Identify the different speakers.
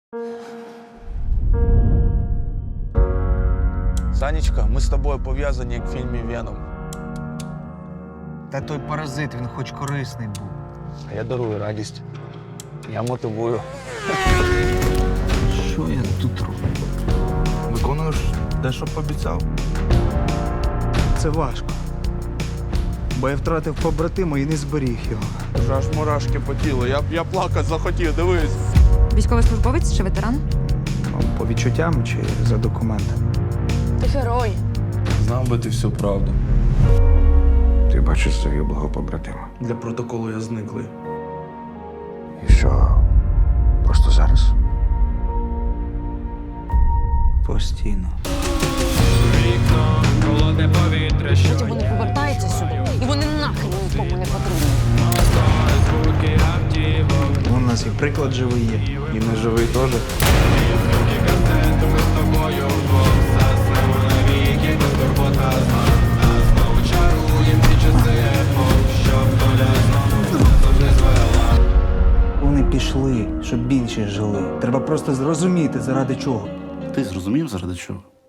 Speaker 1: Санечка, ми з тобою пов'язані, як в фільмі «Веном».
Speaker 2: Та той паразит, він хоч корисний був.
Speaker 1: А я дарую радість. Я мотивую.
Speaker 2: Що я тут роблю?
Speaker 1: Виконуєш те, що пообіцяв?
Speaker 3: Це важко. Бо я втратив побратима і не зберіг його.
Speaker 1: Вже аж мурашки по тілу. Я плакати захотів, дивись.
Speaker 4: Військовослужбовець чи ветеран?
Speaker 3: По відчуттям чи за документами?
Speaker 5: Ти герой.
Speaker 1: Знав би ти всю правду.
Speaker 6: Ти бачиш загиблого побратима.
Speaker 1: Для протоколу я зниклий.
Speaker 6: І що? Просто зараз?
Speaker 3: Постійно.
Speaker 5: Потім вони повертаються сюди, і вони нахрен нікому не потрібні.
Speaker 3: У нас і приклад живий є.
Speaker 1: І не живий теж.
Speaker 3: Вони пішли, щоб більше жили. Треба просто зрозуміти, заради чого.
Speaker 7: Ти зрозумів, заради чого?